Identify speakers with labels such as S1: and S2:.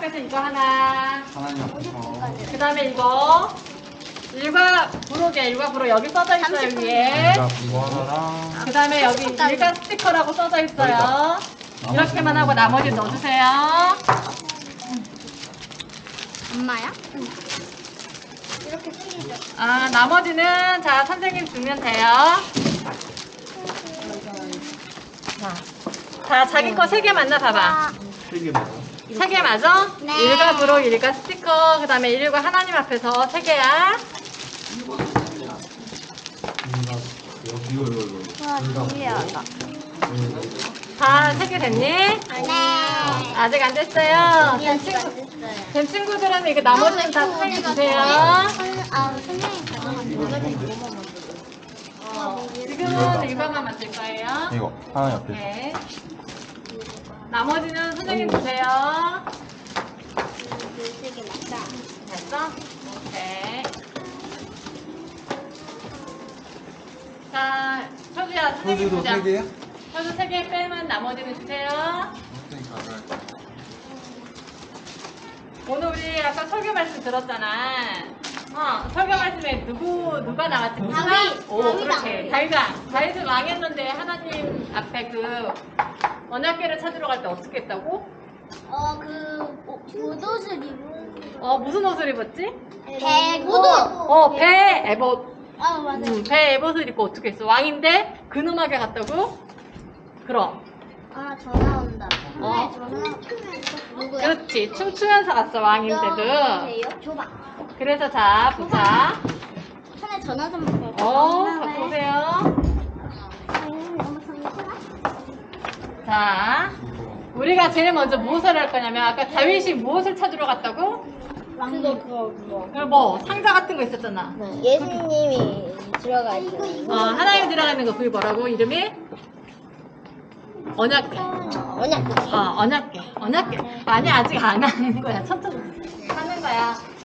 S1: 앞에서 이거 하나.
S2: 하나님 앞에서.
S1: 그 다음에 이거. 일과 부록 여기 써져 있어요, 위에.
S2: 이거 하나랑.
S1: 그 다음에 여기 일과 스티커라고 써져 있어요. 이렇게만 하고 나머지 넣어주세요.
S3: 엄마야? 응. 이렇게 쓰기죠.
S1: 아, 나머지는 자, 선생님 주면 돼요. 자, 자기 거 3개 맞나 봐봐.
S2: 3개 맞아?
S1: 3개 맞아?
S3: 네.
S1: 일과 부록, 일과 스티커, 그 다음에 일과 하나님 앞에서 3개야.
S2: 이거.
S3: 와, 신기하다.
S1: 다 3개 됐니?
S3: 네.
S1: 아직 안 됐어요.
S3: 됐어요.
S1: 된 친구들은 이거 나머지는 다 사인 주세요.
S3: 선생님 가져간 거는
S1: 지금은 이거만 만들 거예요.
S2: 이거 하나님 앞에서.
S1: 네. 나머지는 선생님 주세요. 됐어? 오케이. 자, 효주야, 선생님
S2: 소주도
S1: 주자.
S2: 3개야?
S1: 효주 3개 빼면 나머지는 주세요.
S2: 선생님 가져갈 거야.
S1: 오늘 우리 아까 설교 말씀 들었잖아. 설교 말씀에 누가 나왔지?
S3: 다윗.
S1: 오,
S3: 다윗왕.
S1: 그렇지. 다윗은 왕했는데 하나님 앞에 그 언약궤를 찾으러 갈 때 어떻게 했다고?
S3: 옷을 입은
S1: 무슨 옷을 입었지?
S3: 배고.
S1: 배 에봇.
S3: 맞아요.
S1: 배 에봇을 입고 어떻게 했어? 왕인데 근음하게 갔다고? 그럼.
S3: 전화 온다.
S1: 어.
S3: 누구야?
S1: 그렇지. 춤추면서 갔어, 왕인데도.
S3: 줘봐.
S1: 그래서 자, 보자.
S3: 하나 전화 좀 받고.
S1: 보세요.
S3: 너무 정신아?
S1: 자, 우리가 제일 먼저 무엇을 할 거냐면 아까 다윗이 무엇을 찾으러 갔다고?
S3: 그거.
S1: 뭐 상자 같은 거 있었잖아.
S3: 예수님이 들어가 있어.
S1: 하나님 들어가는 거 그게 뭐라고? 이름이? 언약궤.
S3: 언약.
S1: 언약궤. 아니 아직 안 하는 거야. 천천히 하는 거야.